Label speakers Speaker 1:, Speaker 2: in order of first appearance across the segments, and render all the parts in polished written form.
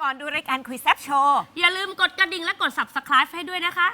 Speaker 1: ก่อนดูรายการคุยแซ่บโชว์
Speaker 2: อย่าลืมกดกระดิ่งและกด Subscribe ให้ด้วยนะคะ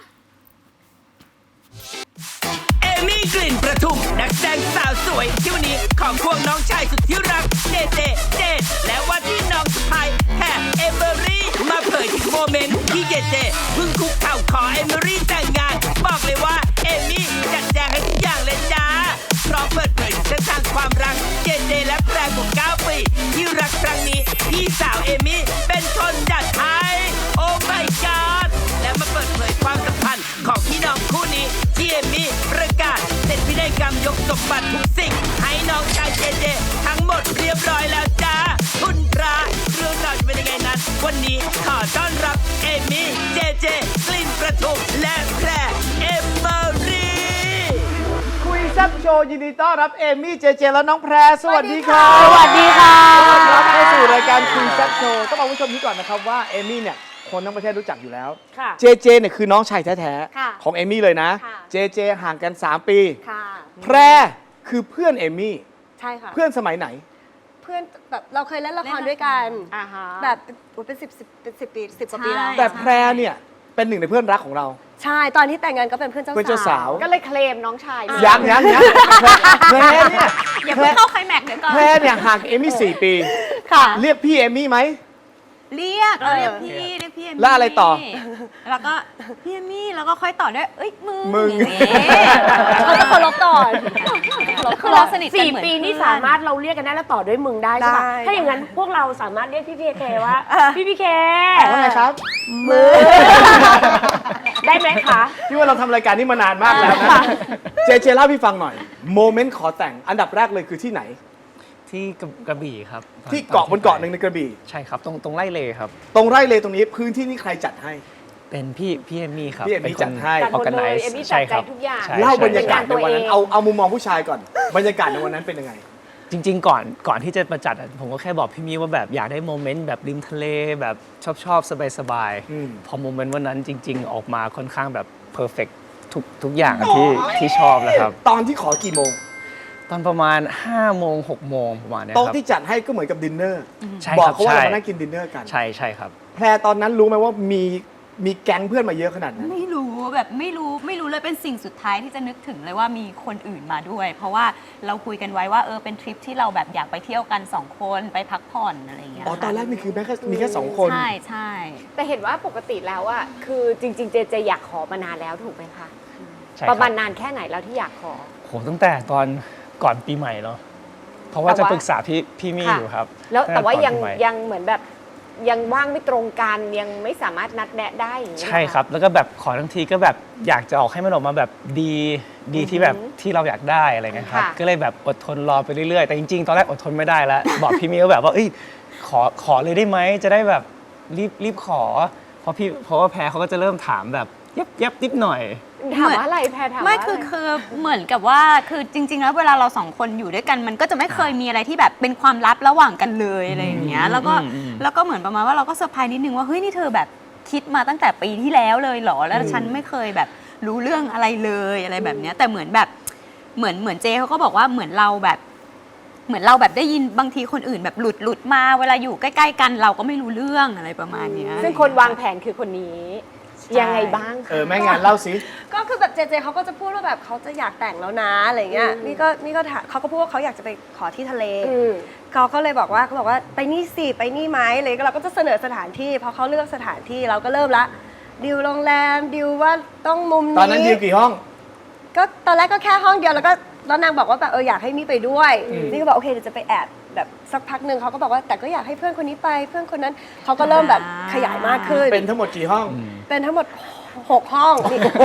Speaker 3: เอมี่กลิ่นประทุมนักแสดงสาวสวยที่วันนี้ของควงน้องชายสุดที่รักเจเจและว่าที่น้องสะพายแฮเอเมอรี่มาเผยถึงโมเมนต์ที่เจเพิ่งคุกเข่าขอเอเมอรี่แต่งงานบอกเลยว่าเอมี่จัดแจงให้ทุกอย่างเลยจ้าพร้อมเปิดเผยถึงเส้นทางความรักเจและแพรกว่า9 ปีที่รักครั้งนี้พี่สาวเอมี่เป็นคนจัดให้โอ้ my god และมาเปิดเผยความสัมพันธ์ของพี่น้องคู่นี้ที่เอมี่ประกาศเสร็จพินัยกรรมยกสมบัติทุกสิ่งให้น้องชายเจทั้งหมดเรียบร้อยแล้วจ้าคุณพระเรื่องราวจะเป็นยังไงนั้นวันนี้ขอต้อนรับเอมี่เจกลิ่นประทุมและแพรเอมเมอรี่
Speaker 4: คุยแซ่บโชว์ยินดีต้อนรับเอมี่เจและน้องแพรสวัสดีครับ
Speaker 1: สวัสดีค่ะ
Speaker 4: ต้อนรับเข้าสู่รายการคุยแซ่บโชว์ต้องบอกผู้ชมนี้ก่อนนะครับว่าเอมี่เนี่ยคนทั้งประเทศรู้จักอยู่แล้วเจเนี่ยคือน้องชายแท้ๆของเอมี่เลยนะเจห่างกัน 3 ปีแพรคือเพื่อนเอมี่
Speaker 5: ใช่ค่ะ
Speaker 4: เพื่อนสมัยไหน
Speaker 5: เพื่อนแบบเราเคยเล่นละครด้วยกันแบบเป็น10 ปี 10 กว่าปีแล้ว
Speaker 4: แต่แพรเนี่ยเป็นหนึ่งในเพื่อนรักของเรา
Speaker 5: ใช่ตอนที่แต่งงานก็เป็นเพื่อนเจ้าสาว
Speaker 1: ก็เลยเคลมน้องชาย
Speaker 4: ยังแพรเนี่ย
Speaker 1: อย่าเพิ่งเข้าไคลแม็กซ์เดี๋ยวก่อน
Speaker 4: แพรเนี่ยห่างเอมี่4 ปีเรียกพี่เอมี่ไหม
Speaker 1: เรียกพี่เอมี่
Speaker 4: แล้วอะไรต่อ
Speaker 1: แล้วก็พี่เอมี่แล้วก็ค่อยต่อด้วยเอ้ย
Speaker 4: มึง
Speaker 5: เขาจะเคารพก่อน
Speaker 1: คือเราสนิทกันเหมือน
Speaker 6: 4 ปีนี่สามารถเราเรียกกันได้แล้วต่อด้วยมึงได้ใช่ปะถ้าอย่างนั้นพวกเราสามารถเรียกพี่เคว่าพี่เค
Speaker 4: ว่าไงครับ
Speaker 6: มึงได้ไหมคะ
Speaker 4: พี่ว่าเราทำรายการนี้มานานมากแล้วนะเจเล่าพี่ฟังหน่อยโมเมนต์ขอแต่งอันดับแรกเลยคือที่ไหน
Speaker 7: ที่กระบี่ครับ
Speaker 4: ที่เกาะบนเกาะหนึ่งในกระบี่
Speaker 7: ใช่ครับตรงไร่เลครับ
Speaker 4: ตรงไร่เลตรงนี้พื้นที่นี้ใครจัดให้
Speaker 7: เป็นพี่เอมี่ครับ
Speaker 4: พี่เอมี่จัดให้
Speaker 6: ออแกไนซ์ใช่ครับทุกอย่าง
Speaker 4: เล่าบรรยากาศในวันนั้นเอามุมมองผู้ชายก่อนบรรยากาศในวันนั้นเป็นยังไง
Speaker 7: จริงๆก่อนที่จะมาจัดผมก็แค่บอกพี่มี่ว่าแบบอยากได้โมเมนต์แบบริมทะเลแบบชอบสบายพอโมเมนต์วันนั้นจริงๆออกมาค่อนข้างแบบเพอร์เฟกต์ทุกอย่างที่ชอบแล้วครับ
Speaker 4: ตอนที่ขอกี่โมง
Speaker 7: ตอนประมาณ5 โมง 6 โมงประมาณนี้ครับ
Speaker 4: โต๊ะที่จัดให้ก็เหมือนกับดินเนอร์บอกเขาว่าเรามานั่งกินดินเนอร์กัน
Speaker 7: ใช่ครับ
Speaker 4: แพรตอนนั้นรู้ไหมว่ามีแก๊งเพื่อนมาเยอะขนาดนั้น
Speaker 1: ไม่รู้แบบไม่รู้เลยเป็นสิ่งสุดท้ายที่จะนึกถึงเลยว่ามีคนอื่นมาด้วยเพราะว่าเราคุยกันไว้ว่าเป็นทริปที่เราแบบอยากไปเที่ยวกัน2 คนไปพักผ่อนอะไรอย่างเงี้ย
Speaker 4: ตอนแรกนี่คือมีแค่2 คน
Speaker 1: ใช่
Speaker 6: แต่เห็นว่าปกติแล้วอ่ะคือจริงๆเจอยากขอมานานแล้วถูกไหมคะประมาณนานแค่ไหนแล้วที่อยากขอ
Speaker 7: โหตั้งแต่ตอนก่อนปีใหม่เนาะเพราะว่าจะปรึกษาพี่มี่อยู่ครับ
Speaker 6: แล้วแต่ว่ายังเหมือนแบบยังว่างไม่ตรงกันยังไม่สามารถนัดแนะได้อย่างนี้
Speaker 7: ใช่ครับแล้วก็แบบขอทั้งทีก็แบบอยากจะออกให้มันออกมาแบบดีที่แบบที่เราอยากได้อะไรเงี้ยครับก็เลยแบบอดทนรอไปเรื่อยๆแต่จริงๆตอนแรกอดทนไม่ได้แล้วบอกพี่มี่ว่าแบบว่าขอเลยได้ไหมจะได้แบบรีบขอเพราะว่าแพรเขาก็จะเริ่มถามแบบยับนิดหน่อย
Speaker 6: ถามว่าอะไรแพรถามว่า
Speaker 1: ไม่คือเหมือนกับว่าคือจริงๆแล้วเวลาเรา2 คนอยู่ด้วยกันมันก็จะไม่เคยมีอะไรที่แบบเป็นความลับระหว่างกันเลยอะไรอย่างเงี้ยแล้วก็เหมือนประมาณว่าเราก็เซอร์ไพรส์นิดนึงว่าเฮ้ยนี่เธอแบบคิดมาตั้งแต่ปีที่แล้วเลยเหรอแล้วฉันไม่เคยแบบรู้เรื่องอะไรเลยอะไรแบบเนี้ยแต่เหมือนแบบเหมือนเจเขาก็บอกว่าเหมือนเราแบบได้ยินบางทีคนอื่นแบบหลุดมาเวลาอยู่ใกล้ๆกันเราก็ไม่รู้เรื่องอะไรประมาณนี้
Speaker 6: ซึ่งคนวางแผนคือคนนี้ยังไงบ้าง
Speaker 4: แม่งานเล่าสิ
Speaker 5: ก็คือแบบเจเขาก็จะพูดว่าแบบเขาจะอยากแต่งแล้วนะอะไรเงี้ยนี่ก็เขาก็พูดว่าเขาอยากจะไปขอที่ทะเลเขาก็เลยบอกว่าไปนี่สิไปนี่ไหมเลยเราก็จะเสนอสถานที่พอเขาเลือกสถานที่เราก็เริ่มละดิวโรงแรมดิวว่าต้องมุมนี้
Speaker 4: ตอนนั้นดิวกี่ห้อง
Speaker 5: ก็ตอนแรกก็แค่ห้องเดียวแล้วนางบอกว่าแบบอยากให้มี่ไปด้วยนี่ก็บอกโอเคเดี๋ยวจะไปแอบแบบสักพักหนึ่งเขาก็บอกว่าแต่ก็อยากให้เพื่อนคนนี้ไปเพื่อนคนนั้นเขาก็เริ่มแบบขยายมากขึ้น
Speaker 4: เป็นทั้งหมดกี่ห้อง
Speaker 5: เป็นทั้งหมด6 ห้อง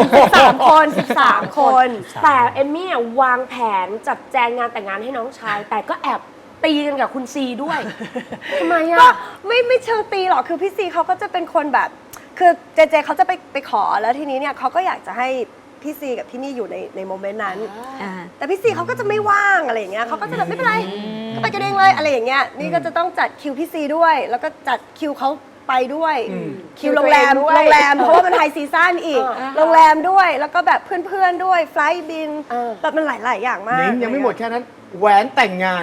Speaker 5: 13 คน
Speaker 6: แต่เอมมี่วางแผนจัดแจงงานแต่งงานให้น้องชายแต่ก็แอบตีกันกับคุณซีด้วยทำไมอ่ะ
Speaker 5: ก็ไม่เชิงตีหรอกคือพี่ซีเขาก็จะเป็นคนแบบคือเจเขาจะไปขอแล้วทีนี้เนี่ยเขาก็อยากจะให้พี่ซีกับพี่มี่อยู่ในโมเมนต์นั้นแต่พี่ซีเขาก็จะไม่ว่างอะไรอย่างเงี้ยเขาก็จะแบบไม่เป็นไรก็ไปกันเองเลยอะไรอย่างเงี้ยนี่ก็จะต้องจัดคิวพี่ซีด้วยแล้วก็จัดคิวเขาไปด้วยคิวโรงแรมเพราะว่ามันไฮซีซั่นอีกโรงแรมด้วยแล้วก็แบบเพื่อนๆด้วยไฟล์บินแบบมันหลายๆอย่างมาก
Speaker 4: นิ้งยังไม่หมดแค่นั้นแหวนแต่งงาน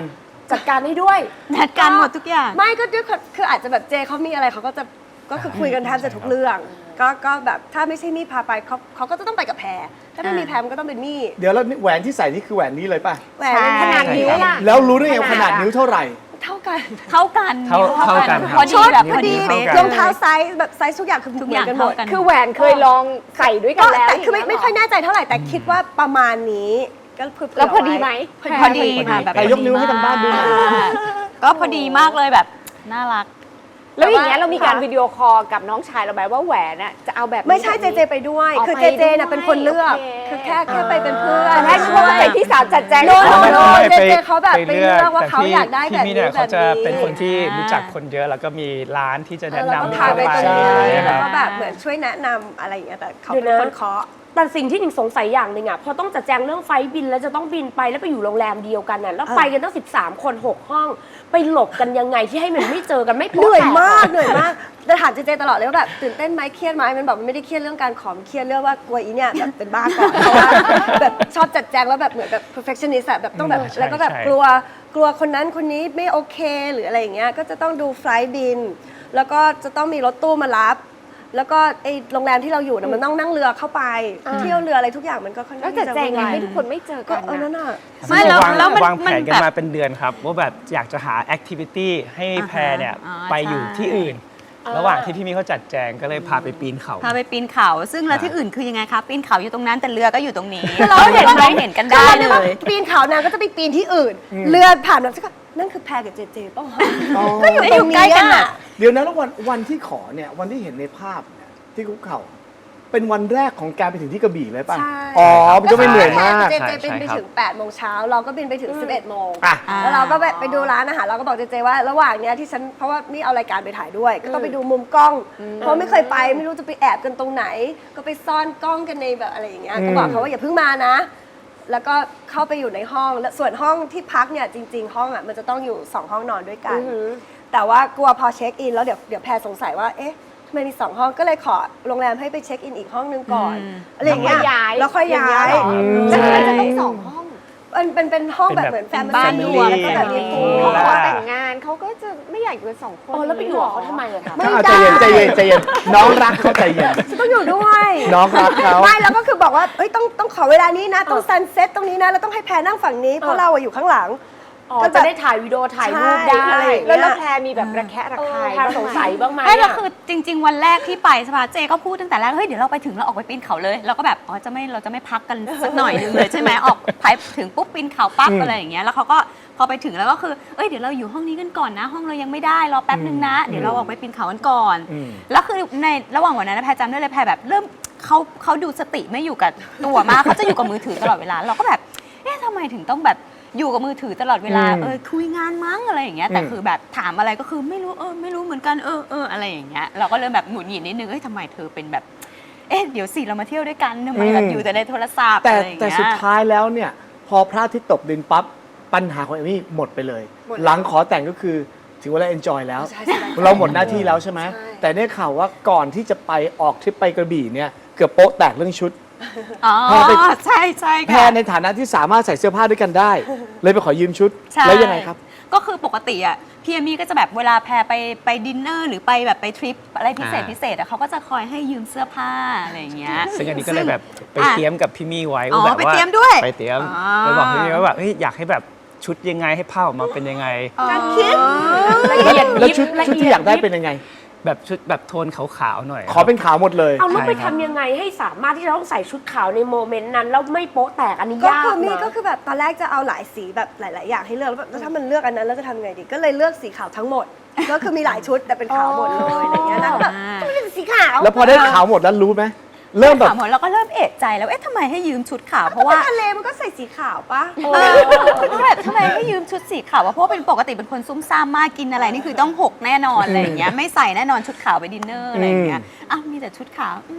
Speaker 6: จัดการให้ด้วย
Speaker 1: จัดการหมดทุกอย่าง
Speaker 5: ไม่ก็ด้วยคืออาจจะแบบเจเขามีอะไรเขาก็จะก็คือคุยกันแทบจะทุกเรื่อง ก็แบบถ้าไม่ใช่มี่พาไปเขาก็จะต้องไปกับแพรถ้าไม่มีแพรมันก็ต้องเป็นมี่
Speaker 4: เดี๋ยวแล้วแหวนที่ใส่นี่คือแหวนนี้เลยป่ะ
Speaker 5: แหวนเป็นขนาดนิ้วล่ะ
Speaker 4: แล้วรู้ได้ไงว่าขนาดนิ้วเท่าไหร่
Speaker 5: เท่ากัน
Speaker 1: เท่ากัน
Speaker 7: เท่ากันครับ
Speaker 1: พอดี
Speaker 5: ชุด
Speaker 1: แบบ
Speaker 5: พ
Speaker 1: พ
Speaker 5: อ
Speaker 1: อ
Speaker 5: ดี
Speaker 1: ดีเป๊ะ
Speaker 5: รองเท้าไซส์แบบไซส์ทุกอย่างคือ
Speaker 1: ทุก
Speaker 5: เห
Speaker 1: อ
Speaker 5: มื
Speaker 1: ย่า
Speaker 5: อง นกันหม
Speaker 1: เท่า
Speaker 5: ด
Speaker 1: กัน
Speaker 6: คือแหวนเคยลองใส่ด้วยกั
Speaker 5: ก็
Speaker 6: นแล้ว
Speaker 5: แต่คือไม่ค่อยแน่ใจเท่าไหร่แต่คิดว่าประมาณนี้ก็เผื่อๆ
Speaker 6: แล้วพอดีไหม
Speaker 1: พอดีค่ะแบบ
Speaker 4: แต่ยกนิ้วให้ทางบ้านดูหน่อย
Speaker 1: ก็พอดีมากเลยแบบน่ารัก
Speaker 8: แล้วอย่างเงี้ยเรามีการ
Speaker 5: ค่ะ
Speaker 8: วิดีโอคอลกับน้องชายเราไหมว่าแหวนน่ะจะเอาแบบนี้
Speaker 5: ไม่ใช่
Speaker 8: แบบ
Speaker 5: เจ
Speaker 8: นี้
Speaker 5: ไปด้วย
Speaker 8: อ๋อ
Speaker 5: คือ
Speaker 8: ไป
Speaker 5: เจน่ะเป็นคนเลือก
Speaker 8: โอเค
Speaker 5: คือแค่ไปเป็นเพื่อน
Speaker 8: ตอนแรกคิดว่าเป็นพี่สาวจัดแจง
Speaker 5: โน่
Speaker 7: ไม่
Speaker 5: โน่
Speaker 7: ไม่
Speaker 5: เจ
Speaker 7: ไป
Speaker 5: เขาแบบไปเลือกว่าเขา
Speaker 7: แต่พี่
Speaker 5: อยากได้แบบ
Speaker 7: พี่
Speaker 5: นี้
Speaker 7: เนี่ย
Speaker 5: แบ
Speaker 7: เขา
Speaker 5: บ
Speaker 7: จะ
Speaker 5: นี้
Speaker 7: เป็นคนที่รู้จักคนเยอะแล้วก็มีร้านที่จะ
Speaker 5: เอ
Speaker 7: แนะ
Speaker 5: อเราก็
Speaker 7: นำ
Speaker 5: พาไปตรงนี้
Speaker 7: ใช่ค
Speaker 5: แล้
Speaker 7: รั
Speaker 5: ว
Speaker 7: บ
Speaker 5: ก็แบบเหมือนช่วยแนะนำอะไรอย่างเงี้ยแต่เขา
Speaker 6: เดี๋ยว
Speaker 5: เป็น
Speaker 6: นะ
Speaker 5: คนเคาะ
Speaker 6: แต่สิ่งที่หนิงสงสัยอย่างหนึ่งอ่ะพอต้องจัดแจงเรื่องไฟล์บินแล้วจะต้องบินไปแล้วไปอยู่โรงแรมเดียวกันน่ะแล้วไปกันตั้ง13 คน 6 ห้อง ไปหลบกันยังไงที่ให้มันไม่เจอกันไม่
Speaker 5: เห
Speaker 6: โป๊ะ
Speaker 5: นื่อย
Speaker 6: แตก
Speaker 5: มากเหนื่อยมากแต่ถามเจตลอดเลยว่าแบบตื่นเต้นไหมเครียดไหมมันบอกมันไม่ได้เครียดเรื่องการขอมเครียดเรื่องว่ากลัวอีเนี่ยแบบเป็นบ้าก่อนเพราะว่าแบบชอบจัดแจงแล้วแบบเหมือนแบบ perfectionist อะแบบต้องแบบ
Speaker 7: ใช่
Speaker 5: แล้วก็แบบ
Speaker 7: ใช่
Speaker 5: กลัวคนนั้นคนนี้ไม่โอเคหรืออะไรอย่างเงี้ยก็จะต้องดูไฟล์บิน แล้วก็จะต้องมีรถตู้มารับ แล้วก็ไอโรงแรมที่เราอยู่เนี่ยมันต้องนั่งเรือเข้าไปเที่ยวเรืออะไรทุกอย่างมันก็ค่อน
Speaker 8: แล้
Speaker 5: ข้าว ง
Speaker 8: จัดแจงไง
Speaker 5: วุ่นวาย
Speaker 8: ให้ทุกคนไม่เจอ
Speaker 5: ก็
Speaker 8: กัน
Speaker 5: นั่
Speaker 8: นะ
Speaker 5: นน่ะ
Speaker 1: ไม่แล้ว
Speaker 7: วาง
Speaker 1: มัน
Speaker 7: แผนกัน
Speaker 1: แบบ
Speaker 7: มาเป็นเดือนครับว่าแบบอยากจะหาแอคทิวิตี้ให้แพรเนี่ย
Speaker 1: อ่า
Speaker 7: ไปอยู่
Speaker 1: ใช่
Speaker 7: ที่อื่น ระหว่างที่พี่มีเขาจัดแจงก็เลยพาไปปีนเขา
Speaker 1: พาไปปีนเขาซึ่งแล้วที่อื่นคือยังไงคะปีนเขาอยู่ตรงนั้นแต่เรือก็อยู่ตรงนี้
Speaker 5: เราเห็น
Speaker 1: เราเห็นกันได้เลย
Speaker 5: ปีนเขานางก็จะไปปีนที่อื่น เรือผ่านมาสักนั่นคือแพรกับเจเจป่ะวะ
Speaker 4: อ๋อ
Speaker 5: ก็อยู่
Speaker 1: ได้
Speaker 5: ต
Speaker 1: อ
Speaker 5: ร
Speaker 1: ยู่
Speaker 5: ง
Speaker 1: ใกล้
Speaker 5: นี้
Speaker 1: กัน
Speaker 5: อ่ะ
Speaker 1: อะ
Speaker 4: เดี๋ยวนะแล้ววันที่ขอเนี่ยวันที่เห็นในภาพเนี่ยที่คุกเข่า เป็นวันแรกของการไปถึงที่กระบี่เลยป่ะ
Speaker 5: ใช่
Speaker 4: อ๋อมันก็ไม่เหนื่อยมาก
Speaker 5: เจเจบินไปถึง8 โมงเช้าเราก็บินไปถึง 11 โมง
Speaker 4: อ่ะ
Speaker 5: แล้วเราก็ไปดูร้านอาหารเราก็บอกเจเจว่าระหว่างเนี้ยที่ฉันเพราะว่านี่เอารายการไปถ่ายด้วย ก็ต้องไปดูมุมกล้อง เพราะไม่เคยไปไม่รู้จะไปแอบกันตรงไหน ก็ไปซ่อนกล้องกันในแบบอะไรอย่างเงี้ยก็บอกเขาว่าอย่าเพิ่งมานะ แล้วก็เข้าไปอยู่ในห้องแล้วส่วนห้องที่พักเนี่ยจริง ๆ ห้องอ่ะมันจะต้องอยู่2 ห้องนอนด้วยกัน แต่ว่ากลัวพอเช็คอินแล้วเดี๋ยวแพรสงสัยว่าเอ๊ะทำไมมี2 ห้องก็เลยขอโรงแรมให้ไปเช็คอินอีกห้องนึงก่อนอะไรอย่างเงี้ยแล้วค่อยย้าย
Speaker 8: แล้วทำไมจะต้องสองห้อง
Speaker 5: เป็นห้องแบบเหมือนแฟมิ
Speaker 1: บ้าน
Speaker 5: ลี่
Speaker 1: รวม
Speaker 5: แล้วก็แบบมีพูล
Speaker 8: เพราะ
Speaker 7: แล้
Speaker 8: ข
Speaker 7: ว
Speaker 8: อแต่งงานเขาก็จะไม่อยากอยู่กันสองคน
Speaker 6: โอ้แล้วไปอยู่กับเขาทำไมอะคะ
Speaker 5: ไม่
Speaker 4: อ่ะ
Speaker 5: ได้
Speaker 4: ใจเย็นน้องรักเขาใจเย็น
Speaker 5: ฉันต้องอยู่ด้วย
Speaker 4: น้องรักเขา
Speaker 5: ไม่แล้วก็คือบอกว่าเอ้ยต้องขอเวลานี้นะ ต้องซันเซ็ตตรงนี้นะ แล้วต้องให้แพรนั่งฝั่งนี้ เพราะเราอะอยู่ข้างหลัง
Speaker 6: อ๋อ
Speaker 5: ก็แบบ
Speaker 6: จะได้ถ่ายวิดีโอถ่ายรูปได้
Speaker 5: ใช่
Speaker 8: แล้วแพรมีแบบระแคะระ
Speaker 6: เอ
Speaker 8: คา
Speaker 6: อย แพรสงสัยบ้างไหม
Speaker 1: ไม่แล้ว
Speaker 6: อะ
Speaker 1: คือจริง ๆ วันแรกที่ไปสภาเจก็พูดตั้งแต่แรกเฮ้ยเดี๋ยวเราไปถึงเราออกไปปีนเขาเลยเราก็แบบอ๋อเราจะไม่พักกันสักหน่อยนึงเลยใช่ไหมออกไปถึงปุ๊บปีนเขาปั๊บอะไรอย่างเงี้ยแล้วเขาก็พอไปถึงแล้วก็คือเอ้ยเดี๋ยวเราอยู่ห้องนี้กันก่อนนะ ห้องเรายังไม่ได้รอแป๊บนึงนะ เดี๋ยวเราออกไปปีนเขากันก่อนแล้วคือในระหว่างวันนั้นนะแพรจำได้เลยแพรแบบเริ่มเขาดูสติไม่อยู่กับตัวมากเขาจะอยู่กับมือถือตลอดเวลาเราก็แบบเอ๊ะทำไมถึงต้องแบบอยู่กับมือถือตลอดเวลาคุยงานมั้งอะไรอย่างเงี้ยแต่คือแบบถามอะไรก็คือไม่รู้ไม่รู้เหมือนกันอะไรอย่างเงี้ยเราก็เริ่มแบบหงุดหงิดนิดนึงเอ้ยทำไมเธอเป็นแบบเอ๊ะเดี๋ยวสิเรามาเที่ยวด้วยกันทำไมแบบอยู่แต่ในโทรศัพท์
Speaker 4: แต่
Speaker 1: อะไรอย่าง
Speaker 4: แต่
Speaker 1: เงี้ย
Speaker 4: สุดท้ายแล้วเนี่ย พอพระอาทิตย์ตกดินปั๊บปัญหาของเอมี่หมดไปเลย หลังขอแต่งก็คือถึงเวลาเอนจอยแล้ว
Speaker 5: ใช่ใช่
Speaker 4: เราหมดหน้าที่แล้วใช่ไหม
Speaker 5: ใช่
Speaker 4: แต่ได้ข่าวว่าก่อนที่จะไปออกทริปไปกระบี่เนี่ยเกือบโป๊ะแตกเรื่องชุด
Speaker 1: อ๋อ
Speaker 4: แพรไป
Speaker 1: ใช่ใช่
Speaker 4: แพร
Speaker 1: ค่ะ
Speaker 4: ในฐานะที่สามารถใส่เสื้อผ้าด้วยกันได้ เลยไปขอยืมชุด
Speaker 1: ใช่
Speaker 4: แล้วยังไงครับ
Speaker 1: ก็คือปกติอ่ะพี่เอมี่ก็จะแบบเวลาแพรไปดินเนอร์หรือไปแบบไปทริปอะไรพิเศษพิเศษอ่ะเขาก็จะคอยให้ยืมเสื้อผ้าอะไรอย่างเงี้ย
Speaker 7: ซึ่งอันนี้ก็เลยแบบไป
Speaker 1: อ่ะ
Speaker 7: เตรียมกับพี่มี่ไว้
Speaker 1: อ๋อ
Speaker 7: ว่าแบบ
Speaker 1: ไป
Speaker 7: ว่า
Speaker 1: เตรียมด้วย
Speaker 7: ไปเตรียม
Speaker 1: อ๋อ
Speaker 7: ไปบอกพี่มี่ว่าแบบเฮ้ยอยากให้แบบชุดยังไงให้ผ้าออกมาเป็นยังไง
Speaker 5: การคิด
Speaker 6: ละเอียด
Speaker 4: แล้ว
Speaker 6: ยิบ
Speaker 4: ชุด
Speaker 6: ละ
Speaker 4: ชุด
Speaker 6: เอี
Speaker 4: ที่
Speaker 6: ย
Speaker 4: อ
Speaker 6: ด
Speaker 4: ยากได้
Speaker 6: ยิบ
Speaker 4: เป็นยังไง
Speaker 7: แบบชุดแบบโทนขาวๆหน่อย
Speaker 4: ขอเป็นขาวหมดเลย
Speaker 6: เอาแล้วไป
Speaker 7: ใช่ครับ
Speaker 6: ทำยังไงให้สามารถที่จะต้องใส่ชุดขาวในโมเมนต์นั้นแล้วไม่โป๊ะแตกอันนี้
Speaker 5: ก็
Speaker 6: ยาก
Speaker 5: คือมี่
Speaker 6: นะ
Speaker 5: ก็คือแบบตอนแรกจะเอาหลายสีแบบหลาย ๆ อย่างให้เลือกแล้วแบบแล้วถ้ามันเลือกอันนั้นแล้วจะทำไงดีก็เลยเลือกสีขาวทั้งหมด ก็คือมีหลายชุดแต่เป็นขาวหมดเลยอะไรอย่างเงี้ยนะก็แบบทำไมเป็นสีขาว
Speaker 4: แล้วพอได้ขาวหมดแล้วรู้ไหมเริ่มแบบ
Speaker 1: ถามหมดเราก็เริ่มเอะใจแล้วเอ๊ะทำไมให้ยืมชุดขาวเพราะ
Speaker 5: ว่า
Speaker 1: ว่า
Speaker 5: ทะเลมันก็ใส่สีขาวปะ
Speaker 1: แบบทำไมให้ยืมชุดสีขาววะเพราะว่าเป็นปกติเป็นคนซุ่มซ่ามมากกินอะไรนี่คือต้องหกแน่นอนอะไรอย่างเงี้ยไม่ใส่แน่นอนชุดขาวไปดินเนอร์อะไรอย่างเงี้ยอ้าวมีแต่ชุดขาว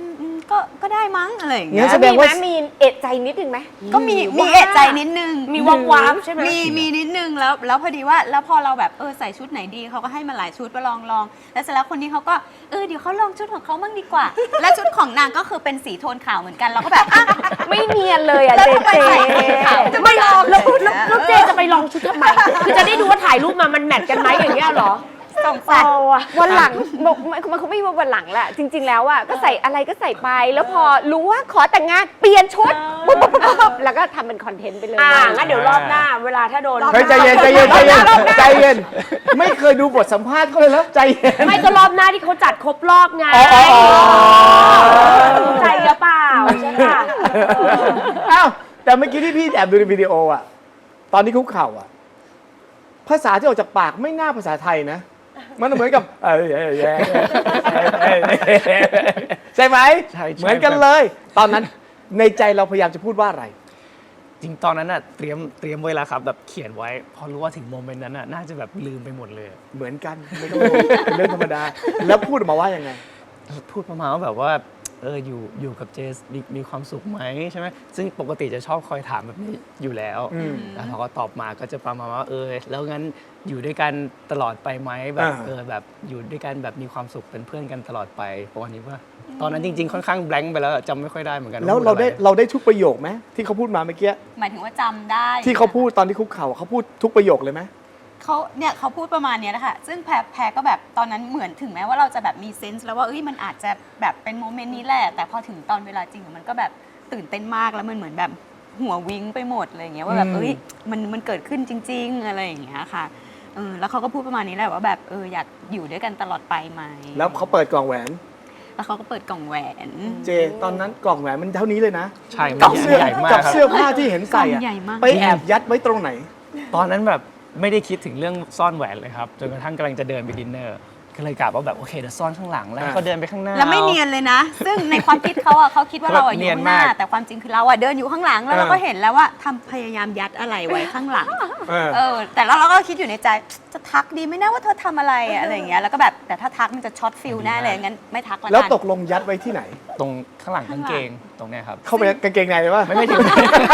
Speaker 1: ก็ได้มั้งอะไรอย่างเงี้
Speaker 4: งั้
Speaker 1: ย
Speaker 4: นแสดงว่า
Speaker 8: มีเอะใจนิดนึงไหม
Speaker 1: ก็มีเอะใจนิดนึง
Speaker 6: มีวับวับใช่ไหม
Speaker 1: มีนิดนึงแล้วพอดีว่าแล้วพอเราแบบใส่ชุดไหนดีเขาก็ให้มาหลายชุดมาลองแล้วเสร็จแล้วคนนี้เขาก็เดี๋ยวเขาลองชุดของเขาบ้างดีกว่า และชุดของนางก็คือเป็นสีโทนขาวเหมือนกันเราก็แบบอ่ะ
Speaker 8: ไม่เนียนเลยอ่ะ
Speaker 1: แล้ว
Speaker 8: เจ
Speaker 1: ทำไม
Speaker 8: เจ
Speaker 1: ใส่สีขาว
Speaker 6: จะไม่ลองแล้วเจจะไปลองชุดทำไมคือจะได้ดูว่าถ่ายรูปมามันแมทกันไหมอย่างเงี้ยเหรอ
Speaker 1: สงสัย
Speaker 8: วันหลังบอกมันคงไม่มีวันหลังแหละจริง ๆ แล้วอ่ะก็ใส่อะไรก็ใส่ไป แล้วพอรู้ว่าขอแต่งงานเปลี่ยนชุดปุ๊บแล้วก็ทำเป็นคอนเทนต์ไปเลย
Speaker 6: งั้นเดี๋ยวรอบหน้าเวลาถ้าโดน
Speaker 4: เฮ้ยใจเย็นไม่เคยดูบทสัมภาษณ์เขาเลยแล้วใจเย็น
Speaker 6: ไม่ก็รอบหน้าที่เขาจัดครบรอบไง
Speaker 4: อ๋อ
Speaker 6: ใจหรือเปล่าใช่ป่ะ
Speaker 4: อ้าวแต่เมื่อกี้ที่พี่แอบดูในวิดีโออ่ะตอนที่คุกเข่าอ่ะภาษาที่ออกจากปากไม่น่าภาษาไทยนะมันเหมือนกับใช่ไหม
Speaker 7: ใช่
Speaker 4: เหมือนกันเลย ตอนนั้นในใจเราพยายามจะพูดว่าอะไร
Speaker 7: จริงตอนนั้นน่ะเตรียมไว้แล้วครับแบบเขียนไว้ พอรู้ว่าถึงโมเมนต์นั้นน่ะน่าจะแบบลืมไปหมดเลย
Speaker 4: เหมือนกันไม่ต้องรู้เป็นเรื่องธรรมดา แล้วพูดออกมาว่ายังไง
Speaker 7: พูดประมาณว่าแบบว่าอยู่กับเจสมีความสุขไหมใช่ไหมซึ่งปกติจะชอบคอยถามแบบนี้อยู่แล้วแล้วเขาก็ตอบมาก็จะประมาณว่าแล้วงั้นอยู่ด้วยกันตลอดไปไหมแบบแบบอยู่ด้วยกันแบบมีความสุขเป็นเพื่อนกันตลอดไปประมาณนี้ว่าตอนนั้นจริงๆค่อนข้างแบงค์ไปแล้วจำไม่ค่อยได้เหมือนกัน
Speaker 4: แล้วเราได้ทุกประโยคไหมที่เขาพูดมาเมื่อกี้
Speaker 1: หมายถึงว่าจำได้
Speaker 4: ที่เขาพูดตอนที่คุกเข่าเขาพูดทุกประโยคเลยไหม
Speaker 1: เขาพูดประมาณเนี้ยแหละค่ะซึ่งแพรก็แบบตอนนั้นเหมือนถึงแม้ว่าเราจะแบบมีเซนส์แล้วว่ามันอาจจะแบบเป็นโมเมนต์นี้แหละแต่พอถึงตอนเวลาจริงมันก็แบบตื่นเต้นมากแล้วมันเหมือนแบบหัววิ้งไปหมดอะไรอย่างเงี้ยว่าแบบมันเกิดขึ้นจริง ๆอะไรอย่างเงี้ยค่ะแล้วเขาก็พูดประมาณนี้แหละว่าแบบอยากอยู่ด้วยกันตลอดไปไหม
Speaker 4: แล้วเขาเปิดกล่องแหวน
Speaker 1: แล้วเขาก็เปิดกล่องแหวน
Speaker 4: เจตอนนั้นกล่องแหวนมันเท่านี้เลยนะ
Speaker 7: ใช่
Speaker 4: กับ
Speaker 7: มัน
Speaker 4: เสื้อ
Speaker 7: ใหญ่มาก
Speaker 4: กับ
Speaker 7: ครับ
Speaker 4: เสื้อผ้าที่เห็นใส่
Speaker 1: กล่
Speaker 4: อะ
Speaker 1: องใหญ่มาก
Speaker 4: ไปแอบยัดไว้ตรงไหน
Speaker 7: ตอนนั้นแบบไม่ได้คิดถึงเรื่องซ่อนแหวนเลยครับจนกระทั่งกำลังจะเดินไปดินเนอร์ก็เลยกะว่าแบบโอเคเดี๋ยวซ่อนข้างหลังแล้วก็เดินไปข้างหน้า
Speaker 1: แล้วไม่เนียนเลยนะ ซึ่งในความคิดเขาเขาคิดว่าเราอยู่ข้างหน้า แต่ความจริงคือเราเดินอยู่ข้างหลังแล้วเราก็เห็นแล้วว่าทำพยายามยัดอะไรไว้ข้างหลัง แต่แล้วเราก็คิดอยู่ในใจจะทักดีไหมนะว่าเธอทำอะไรอะไรอย่างเงี้ยแล้วก็แบบแต่ถ้าทักมันจะช็อตฟิลแน่เลยงั้นไม่ทักละกัน
Speaker 4: แล้วตกลงยัดไว้ที่ไหน
Speaker 7: ตรงข้างหลังกางเกงตรงเนี้ยครับ
Speaker 4: เข้าไปกางเกงในเลยว่า
Speaker 7: ไม่ถึง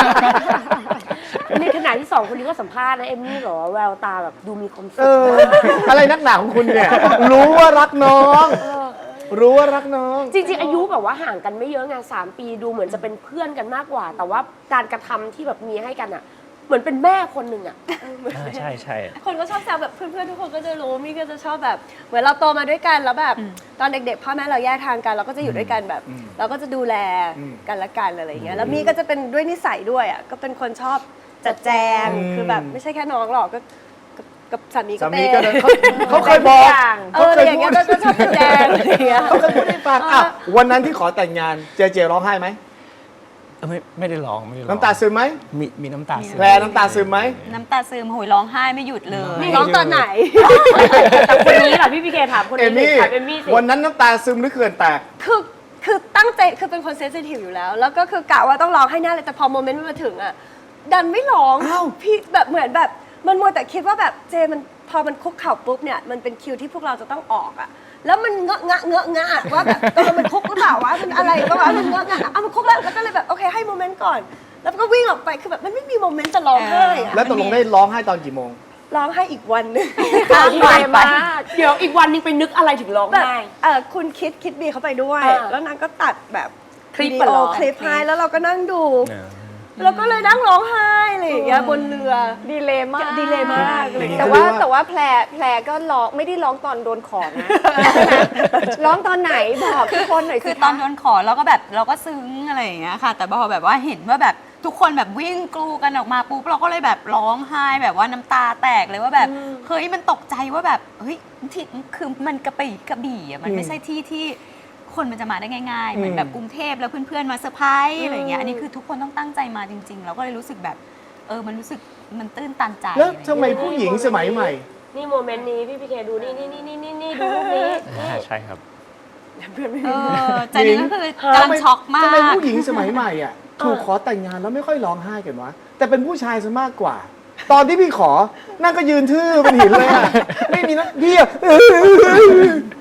Speaker 6: ในขณะที่สองคนนี้ก็สัมภาษณ์นะเอมมี่เหรอแววตาแบบดูมีความสุข
Speaker 4: อะไรนักหนาของคุณเนี่ย รู้ว่ารักน้อง รู้ว่ารักน้อง
Speaker 6: จริงๆอายุแบบว่าห่างกันไม่เยอะไง3 ปีดูเหมือนจะเป็นเพื่อนกันมากกว่า แต่ว่าการกระทำที่แบบมีให้กันอ่ะ เหมือนเป็นแม่คนหนึ่งอ่ะ
Speaker 7: ใช่ใช่
Speaker 5: คนก็ชอบแซวแบบเพื่อนๆทุกคนก็จะรู้มี่ก็จะชอบแบบเหมือนเราโตมาด้วยกันแล้วแบบตอนเด็กๆพ่อแม่เราแยกทางกันเราก็จะอยู่ด้วยกันแบบ เราก็จะดูแลกันละกันอะไรอย่างเงี้ยแล้วมี่ก็จะเป็นด้วยนิสัยด้วยอ่ะก็เป็นคนชอบจัดแจงคือแบบไม่ใช่แค่น้องหรอกก็กับสามีก็
Speaker 4: สา
Speaker 5: เป็
Speaker 4: มี
Speaker 5: น
Speaker 4: ก็เขาเคยบอกเขา
Speaker 5: อะ
Speaker 4: เค
Speaker 5: ไร
Speaker 4: ย
Speaker 5: อย่าง
Speaker 4: พู
Speaker 5: เงี้
Speaker 4: ด
Speaker 5: ยก็ชอบจัดแจงอะไรอย่างเงี้ย
Speaker 4: เขาเคยพูดให้ฟังอ่ะวันนั้นที่ขอแต่งงานเจร้องไห้ไหม
Speaker 7: ไม่ได้ร้องไม่ได้ร้อง
Speaker 4: น้ำตาซึมไหม
Speaker 7: มีน้ำตาซึม
Speaker 4: แพรน้ำตาซึมไหม
Speaker 1: น้ำตาซึมโหยร้องไห้ไม่หยุดเลย
Speaker 5: ร้องตอนไหน
Speaker 6: แต่คนนี้เหรอพี่พีเคถามคน
Speaker 4: เอ
Speaker 6: นี้
Speaker 4: มี่
Speaker 6: ถามเอมมี่สิ
Speaker 4: วันนั้นน้ำตาซึมหรือเขื่อนแตก
Speaker 5: คือตั้งใจคือเป็นคนเซนซิทีฟอยู่แล้ว แล้วก็คือกะว่าต้องร้องให้แน่เลยแต่พอโมเมนต์มันมาถึงอ่ะดันไม่ร้อง
Speaker 4: อ้าว
Speaker 5: พี่แบบเหมือนแบบมันมัวแต่คิดว่าแบบเจมันพอมันคุกเข่าปุ๊บเนี่ยมันเป็นคิวที่พวกเราจะต้องออกอ่ะแล้วมันเงอะงะว่าแบบมันคุกหรือเปล่าวะมันอะไรก็ว่ามันเงอะงะมันคุกแล้วก็เลยแบบโอเคให้โมเมนต์ก่อน แล้วก็วิ่งออกไปคือแบบมันไม่มีโมเมนต์จะร้องไห้อะ
Speaker 4: แล้วตกลงได้ร้องไห้ตอนกี่โมง
Speaker 5: ร้องไห้อีกวันหนึง
Speaker 6: ไวมากเดี๋ยวอีกวันนึงไปนึกอะไรถึงร้อง
Speaker 5: แบบ
Speaker 6: ไห้
Speaker 5: คุณคิดบีเขาไปด้วย
Speaker 6: แล้ว
Speaker 5: นางก็ตัดแบบ
Speaker 6: คลิป
Speaker 5: วิ
Speaker 6: อะ
Speaker 5: ดี
Speaker 6: เหร
Speaker 5: โอ
Speaker 6: อ
Speaker 5: คลิปให้แล้วเราก็นั่งดู แล้วก็เลยนั่งร้องไห้อะไรอย่างเงี้ยบนเรือ
Speaker 8: ดีเลยมาก
Speaker 5: ดีเลยมากเลย
Speaker 8: แต่ว่าแพรก็ร้องไม่ได้ร้องตอนโดนขอนะร้องตอนไหนบอกทุกคนหน่อย
Speaker 1: คื
Speaker 8: สิ
Speaker 1: อตอนโดนขอเราก็แบบเราก็ซึ้งอะไรอย่างเงี้ยค่ะ แต่พอแบบว่าเห็นว่าแบบทุกคนแบบวิ่งกลูกันออกมาปุ๊บเราก็เลยแบบร้องไห้แบบว่าน้ำตาแตกเลยว่าแบบเฮ้ยมันตกใจว่าแบบเฮ้ยที่คือมันกระบี่อ่ะมันไม่ใช่ที่คนมันจะมาได้ง่ายๆเหมือนแบบกรุงเทพแล้วเพื่อนๆมาเซอร์ไพรส์อะไรอย่างเงี้ยอันนี้คือทุกคนต้องตั้งใจมาจริงๆเราก็เลยรู้สึกแบบมันรู้สึกมันตื้นตันใจ
Speaker 4: แล้วทำไมผู้หญิงสมัยใหม่
Speaker 6: นี่โมเมนต์นี้พี่พีเคดูนี่ดูรูปนี้
Speaker 7: ใช่ครับ
Speaker 1: ใจนึงก็คือกำลังช็อกมาก
Speaker 4: ทำไมผู้หญิงสมัยใหม่อ่ะถูกขอแต่งงานแล้วไม่ค่อยร้องไห้กันวะแต่เป็นผู้ชายซะมากกว่า ตอนที่พี่ขอนั่งก็ยืนทื่อเป็นหินเลยอ่ะไม่มีนะพี่อ่ะ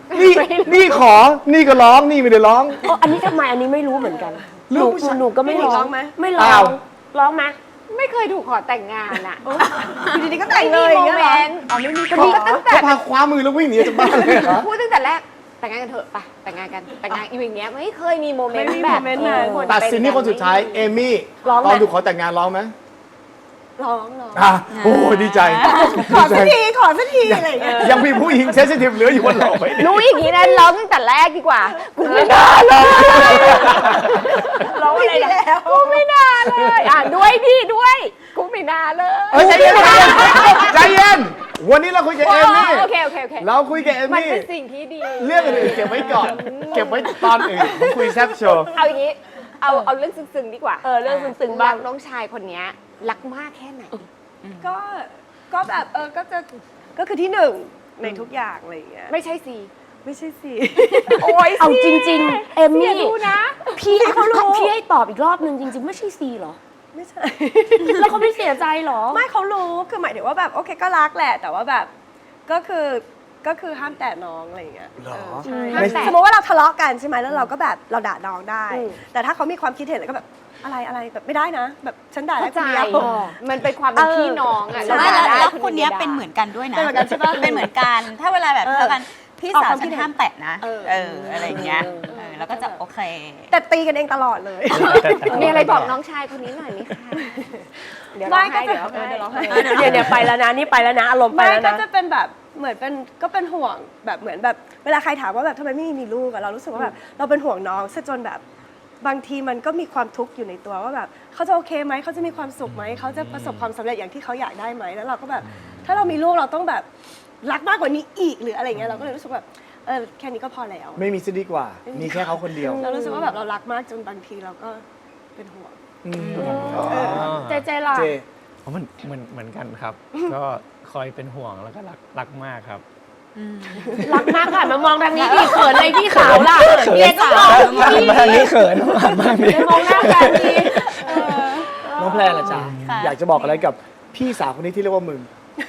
Speaker 4: นี่ขอนี่ก็ร้องนี่ไม่ได้ร้อง
Speaker 6: อันนี้ทำไมอันนี้ไม่รู้เหมือนกัน
Speaker 4: ลู
Speaker 6: หนู
Speaker 4: กผู้ชาย
Speaker 6: หนูก็ไม่
Speaker 5: พี่หนิง
Speaker 6: ร้
Speaker 5: ร้
Speaker 6: อ
Speaker 5: อง งไหม
Speaker 6: ไม่ร้อ
Speaker 4: อ้าง ว
Speaker 6: ร้องไหม
Speaker 8: ไม่เคยถูกขอแต่งงานอ่ะ
Speaker 5: อยู่ดีๆก็แต่งเล
Speaker 8: ไม่
Speaker 5: ย
Speaker 8: มี
Speaker 5: อย่าง
Speaker 8: โม
Speaker 5: เงี้ย
Speaker 8: เม
Speaker 5: เหรอ
Speaker 8: นต์
Speaker 5: อ๋อไม่มี
Speaker 8: ก็นี่ก็ตั้งแต่
Speaker 4: เขาพาคว้ามือแล้ววิ่งหนีจากบ้านเลยเหรอ
Speaker 8: พูดตั้งแต่แรกแต่งงานกันเถอะไปแต่งงานกันแต่งงานอยู่อย่างเงี้ยไม่เคยมีโมเมนต์
Speaker 5: ไม่มี
Speaker 8: แบบ
Speaker 5: โมเมนต์นั้น
Speaker 8: คน
Speaker 4: ตัดสินที่คนสุดท้ายเอมี่
Speaker 6: ร้องไหม
Speaker 4: ตอนถูกขอแต่งงานร้องไหม
Speaker 5: ร้อง
Speaker 4: อ่ะโอ้ดีใจ
Speaker 5: ขอสักทีขอสักทีอะไรอย่างเงี้ย
Speaker 4: ยังมีผู้หญิงเซนซิทีฟเหลืออยู่บนโลกไว้ดิ
Speaker 8: รู้อย่างนี้นะร้องตั้งแต่แรกดีกว่ากูไม่น่าเลย
Speaker 6: ร้องอะไรนะ
Speaker 8: กูไม่น่าเลยด้วยดิด้วยกูไม่น่าเลย
Speaker 4: เอ้ยใจเย็นใจเย็นวันนี้เราคุยกับเอมี่
Speaker 8: โอเค
Speaker 4: เราคุยกับเอ
Speaker 8: มัน
Speaker 4: มี่
Speaker 8: เป็นสิ่งที่ดี
Speaker 4: เรื่องอื่นๆเก็บไว้ก่อน เก็บไว้ตอนอื่นผมคุยแซ่บโชว์
Speaker 8: เอาอย่างนี้เอาเรื่องซึ้งๆดีกว่า
Speaker 6: เรื่องซึ้งๆบ้าง
Speaker 8: น้องชายคนเนี้ยรักมากแค่ไหน
Speaker 5: ก็แบบก็คือที่หนึ่งในทุกอย่างอะไรอย่างเงี้ย
Speaker 8: ไม่ใช่ซี
Speaker 5: ไม่ใช่สิ
Speaker 8: โอ้ย
Speaker 6: เอาจริง ๆ เอมมี่
Speaker 8: รู้นะ
Speaker 6: พี่ให้ตอบอีกรอบนึงจริง ๆ ไม่ใช่ซีเหรอ
Speaker 5: ไม่ใช่
Speaker 6: แล้วเขาไม่เสียใจเหรอ
Speaker 5: ไม่เขารู้คือหมายถึงว่าแบบโอเคก็รักแหละ แต่ว่าแบบก็คือห้ามแตะน้องอะไรอย่างเงี้ย
Speaker 4: หรอ
Speaker 5: ใช่
Speaker 8: ห้ามแตะ
Speaker 5: สมมติว่าเราทะเลาะกันใช่ไหมแล้วเราก็แบบเราด่าน้องได้
Speaker 6: อืม
Speaker 5: แต่ถ้าเขามีความคิดเห็นแล้วก็แบบอะไรแบบไม่ได้นะ แบบฉันด่าได้
Speaker 8: เข้า
Speaker 5: ค
Speaker 8: ใจ
Speaker 5: นเดียว
Speaker 8: มันเป็นความเป็นพี่น้องอ่ะ
Speaker 5: ใช่
Speaker 1: ไม่แล้ว
Speaker 8: ด่าได้
Speaker 1: แล้ว
Speaker 8: ดียว
Speaker 1: คนเนี้ย
Speaker 8: ด่า
Speaker 1: เป็นเหมือนกันด้วยนะ
Speaker 5: เป็นเหมือนกันใช่ปะ
Speaker 1: เป็นเหมือนกัน ถ้าเวลาแบบ
Speaker 5: เออ
Speaker 1: เจอกันพี่
Speaker 5: ออก
Speaker 1: สาว
Speaker 5: ความคิ
Speaker 1: ฉั
Speaker 5: ด
Speaker 1: น
Speaker 5: เห็น
Speaker 1: ห้ามแตะนะ
Speaker 5: เออ
Speaker 1: อะไรอย่างเงี้ยแล้วก็จะโอเค
Speaker 5: แต่ตีกันเองตลอดเลย
Speaker 8: มีอะไรบอกน้องชายคนนี้หน่อยไหมคะเดี๋ยวร้องไห้เดี๋ยวร้องไห้
Speaker 6: เดี๋ยวไปแล้วนะนี่ไปแล้วนะอารมณ์ไป
Speaker 5: ไม่
Speaker 6: แล้ว
Speaker 5: ก็
Speaker 6: นะ
Speaker 5: จะเป็นแบบเหมือนเป็นก็เป็นห่วงแบบเหมือนแบบเวลาใครถามว่าแบบทำไมไม่มีลูกอะเรารู้สึกว่าแบบเราเป็นห่วงน้องซะจนแบบบางทีมันก็มีความทุกข์อยู่ในตัวว่าแบบเขาจะโอเคไหมเขาจะมีความสุขไหมเขาจะประสบความสำเร็จอย่างที่เขาอยากได้ไหมแล้วเราก็แบบถ้าเรามีลูกเราต้องแบบรักมากกว่านี้อีกหรืออะไรเงี้ยเราก็เลยรู้สึกแบบแค่นี้ก็พอแล้ว
Speaker 4: ไม่มีซะดีกว่า มีแค่เขาคนเดียว
Speaker 5: เรารู้สึกว่าแบบเรารักมากจนบางทีเราก็เป็นห่วง
Speaker 6: เจล่ะ
Speaker 4: เจ
Speaker 7: เพราะมันเหมือนกันครับ ก็คอยเป็นห่วงแล้วก็รักมากครับ
Speaker 6: รักมากค่ะมามองทางนี้ดิเขินอะไรพี่ขาวล่ะเมียก็มอง
Speaker 7: หันมาทางนี้เขินหันมาทางนี้
Speaker 6: มองหน้ากันดี
Speaker 4: น้องแพรล่ะจ๊ะ
Speaker 1: ค่ะ
Speaker 4: อยากจะบอกอะไรกับพี่สาวคนนี้ที่เรียกว่ามึง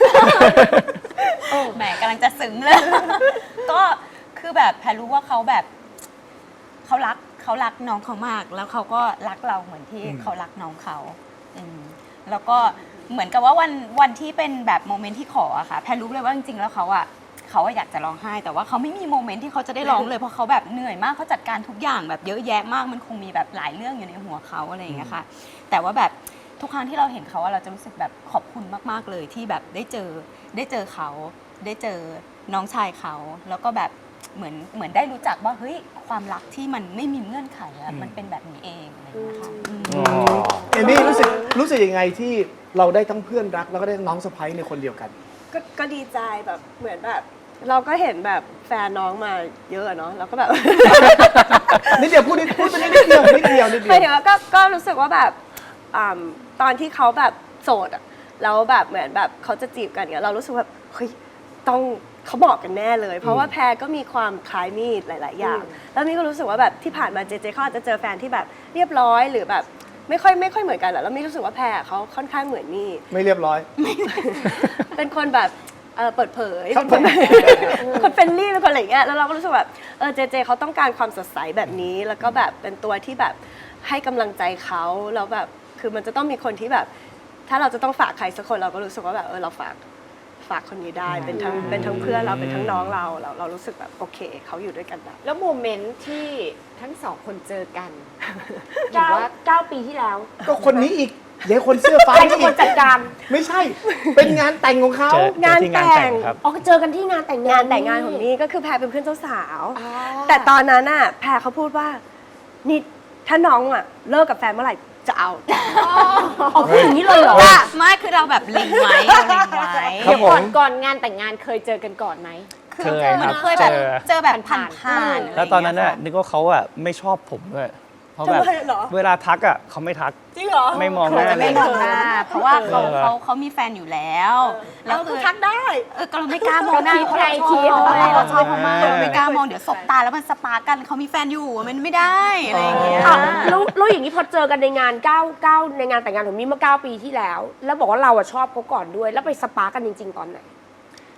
Speaker 1: แหมกำลังจะซึ้งเลย ก็คือแบบแพรรู้ว่าเขาแบบเขารักน้องเขามาก แล้วเขาก็รักเราเหมือนที่เขารักน้องเขาแล้วก็เหมือนกับว่าวันที่เป็นแบบโมเมนต์ที่ขออะค่ะแพรรู้เลยว่าจริงๆแล้วเขาอยากจะร้องไห้ แต่ว่าเขาไม่มีโมเมนต์ที่เขาจะได้ร้องเลยเพราะเขาแบบเหนื่อยมากเขาจัดการทุกอย่างแบบเยอะแยะมากมันคงมีแบบหลายเรื่องอยู่ในหัวเขาอะไรอย่างเงี้ยค่ะ แต่ว่าแบบทุกครั้งที่เราเห็นเขาอะเราจะรู้สึกแบบขอบคุณมากๆเลยที่แบบได้เจอเขาได้เจอน้องชายเขาแล้วก็แบบเหมือนได้รู้จักว่าเฮ้ยความรักที่มันไม่มีเงื่อนไขอะมันเป็นแบบนี้เองอะไรอย่างเงี้ยค่ะ
Speaker 4: เอมี่รู้สึกยังไงที่เราได้ทั้งเพื่อนรักแล้วก็ได้น้องสะใภ้ในคนเดียวกัน
Speaker 5: ก็ดีใจแบบเหมือนแบบ เราก็เห็นแบบแฟนน้องมาเยอะอะเนาะเราก็แบบ
Speaker 4: นิดเดียวพูดไปนิดเดียว
Speaker 5: หมายถึงว่าก็รู้สึกว่าแบบตอนที่เขาแบบโสดอะแล้วแบบเหมือนแบบเขาจะจีบกันเนี่ยเรารู้สึกแบบเฮ้ยต้องเขาบอกกันแน่เลย เพราะว่าแพรก็มีความคล้ายมีดหลาย ๆ อย่าง แล้วมี่ก็รู้สึกว่าแบบที่ผ่านมาเจเขาอาจจะเจอแฟนที่แบบเรียบร้อยหรือแบบไม่ค่อยเหมือนกันแหละแล้วมี่รู้สึกว่าแพรเขาค่อนข้างเหมือนมี่
Speaker 4: ไม่เรียบร้อย
Speaker 5: เป็นคนแบบเปิดเผย
Speaker 4: ครับ
Speaker 5: คนเฟรนลี่เป็นคนอะไรอย่างเงี้ยแล้วเราก็รู้สึกแบบเจเขาต้องการความสดใสแบบนี้ แล้วก็แบบเป็นตัวที่แบบให้กำลังใจเขาแล้วแบบคือมันจะต้องมีคนที่แบบ ถ้าเราจะต้องฝากใครสักคนเราก็รู้สึกว่าแบบเราฝากคนนี้ได้เป็นทั้งเพื่อนเราเป็นทั้งน้องเรารู้สึกแบบโอเคเขาอยู่ด้วยกันได้
Speaker 8: แล้วโมเมนต์ที่ทั้งสองคนเจอกันหรือว่า
Speaker 6: 9 ปีที่แล้ว
Speaker 4: ก็คนนี้อีกเดี๋ยวคนเสื้อฟ้า
Speaker 6: ใครเป็นคนจัดการ
Speaker 4: ไม่ใช่ เป็นงานแต่งของเขา
Speaker 7: เจอที่งานแต่งครับ
Speaker 6: อ๋อเจอกันที่งานแต่ง
Speaker 5: งานแต่งงานของนี่ก็คือแพรเป็นเพื่อนเจ้าสาว แต่ตอนนั้นน่ะแพรเขาพูดว่านี่ถ้าน้องอ่ะเลิกกับแฟนเมื่อไหร่จะเอา
Speaker 6: อ๋อพูดอย่างนี้เลยเหรอ
Speaker 1: ไม่คือเราแบบเล็งไว้เราเล็งไว้
Speaker 4: ครั
Speaker 8: เดี๋
Speaker 4: บ
Speaker 8: ยว
Speaker 4: ผม
Speaker 8: ก่อนงานแต่งงานเคยเจอกันก่อนไหม
Speaker 1: คือ
Speaker 7: เคย
Speaker 1: มัน
Speaker 7: ครับ
Speaker 1: เคยแบบ
Speaker 7: เจอ
Speaker 1: เจอแบบผ่านๆ
Speaker 7: แล้วตอนนั้นน่ะนึกว่าเขาอ่ะไม่ชอบผมด้วยเพราะแบบ
Speaker 5: ทำไมเหรอ
Speaker 7: เวลาทักอ่ะเขาไม่ทัก
Speaker 5: จริงเหรอ
Speaker 7: ไม่มองหน้า
Speaker 1: จะ
Speaker 7: เล
Speaker 1: ไม่
Speaker 7: ย
Speaker 1: มองหน้าเพราะว่าเขา
Speaker 7: เออ
Speaker 1: เขามีแฟนอยู่แล้วแล้ว
Speaker 5: เรา
Speaker 1: คื
Speaker 5: ก็
Speaker 1: อ
Speaker 5: ทักได้
Speaker 1: ก็เราไม่กล้ามองหน้าเพราะเราชอบเขาไงเราชอบเขามากเราไม่กล้ามองเดี๋ยวสบตาแล้วมันสปาร์กกันเขามีแฟนอยู่มันไม่ได้อะไรอย่างเงี้ย
Speaker 6: อ่ะแล้วอย่างนี้พอเจอกันในงาน9ในงานแต่งงานของมี่เมื่อ9 ปีที่แล้ว แล้วบอกว่าเราอะชอบเขาก่อนด้วย แล้วไปสปาร์กกันจริง ๆ ตอนไหน
Speaker 5: ก็ประ